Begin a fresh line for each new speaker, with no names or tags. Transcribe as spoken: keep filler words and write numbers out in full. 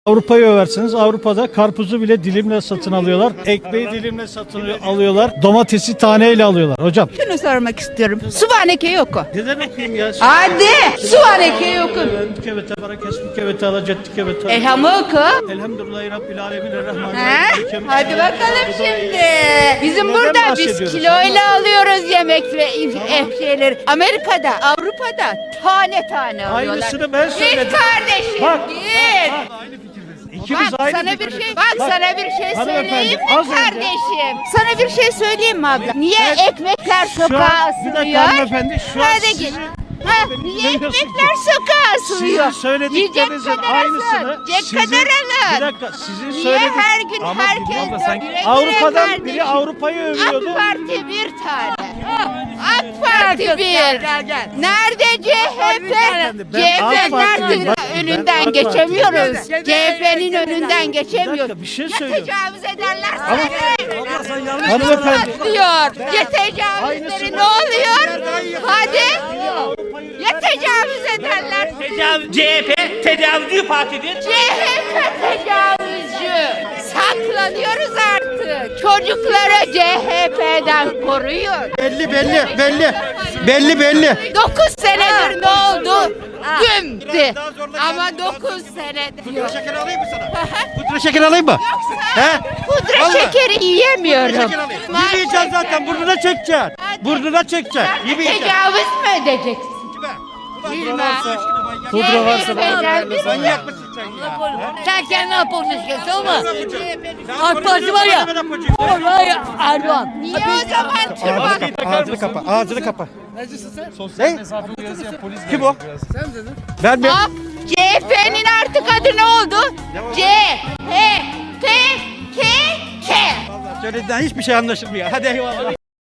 Avrupa'yı översiniz. Avrupa'da karpuzu bile dilimle satın alıyorlar. Ekmeği dilimle satın alıyorlar. Domatesi taneyle alıyorlar. Hocam.
Şunu sormak istiyorum. Suvaneke yok o.
Neden okuyayım ya?
Hadi. Suvaneke yok o.
Kevete bara kesmi kevete alacetti kevete.
Elhamı oku.
Elhamdülillahi Rabbil alemin
He?
errahmanirrahim.
Hadi bakalım şimdi. Bizim
Neden
burada biz
bahsediyoruz?
kiloyla alıyoruz yemek ve ev şeyleri. Amerika'da, Avrupa'da tane tane alıyorlar.
Aynısını ben söyledim.
Git kardeşim
Bak,
git.
bak, bak, aynı fikirdeyiz. İkimiz
Bak
aynı
sana bir
fikirdeyiz.
şey, bak, sana bir şey
hanımefendi,
söyleyeyim mi
az önce-
kardeşim? Sana bir şey söyleyeyim mi abla? Niye
Ben-
ekmekler
Şu an-
sokağa
bir dakika
asılıyor?
hanımefendi, şu an
Hadi
sizin-
git. Ha,
beni
niye
dinlemiyorsun
ekmekler
ki.
sokağa asılıyor?
Sizin söylediklerinizin
Yiyecek kadar
aynısını
alın, yiyecek
sizin,
kadar alın.
bir dakika sizin
Niye
söyledik.
her gün
Ama
herkes
bilmiyorum da
dört
sanki
lira
Avrupa'dan
kardeşim?
biri Avrupa'yı övüyordu.
AK Parti bir tane. AK Parti bir. Nerede C H P?
Ben
C H
AK
P
Parti'yim.
nerede?
Bak, ben
Önünden
AK
geçemiyoruz.
Parti'yim.
C H P'nin önünden
Bir
geçemiyoruz.
dakika bir şey
Ya
söylüyorum.
tecavüz ederler
Ama-
seni.
Hanımefendi.
Diyor. Ya tecavüzleri ne oluyor? Hadi. Ya tecavüz ederler.
Tecavüz, C H P tecavüzcü partidir.
C H P tecavüzcü. Saklanıyoruz artık. Çocukları C H P'den koruyun.
Belli belli belli. Belli belli.
Dokuz senedir ne oldu? Gümdü. Ama dokuz senedir.
Pudra şeker alayım mı sana? Pudra şeker alayım mı? He?
Pudra
Vallahi.
şekeri yiyemiyorum.
Şeker alayım. Yemeyeceksin zaten. Burnuna çekeceksin. Burnuna çekeceksin. Yemeyeceksin.
Tecavüz mü edeceksin? Bilmem.
Pudra varsa ben
C H P'den
Manyak mısın sen ya?
Sen kendine yapacaksın tamam mı?
Sen
AK Parti var ya.
bana yapacaksın.
Vallahi Erdoğan.
Niye o zaman çıkmak?
Ağzını kapa. Ağzını kapa. Ne? Kim o? Ben mi?
Bak, C H P'nin artık adı ne oldu? C H P K K.
Söylediğinden hiçbir şey anlaşılmıyor. Hadi eyvallah.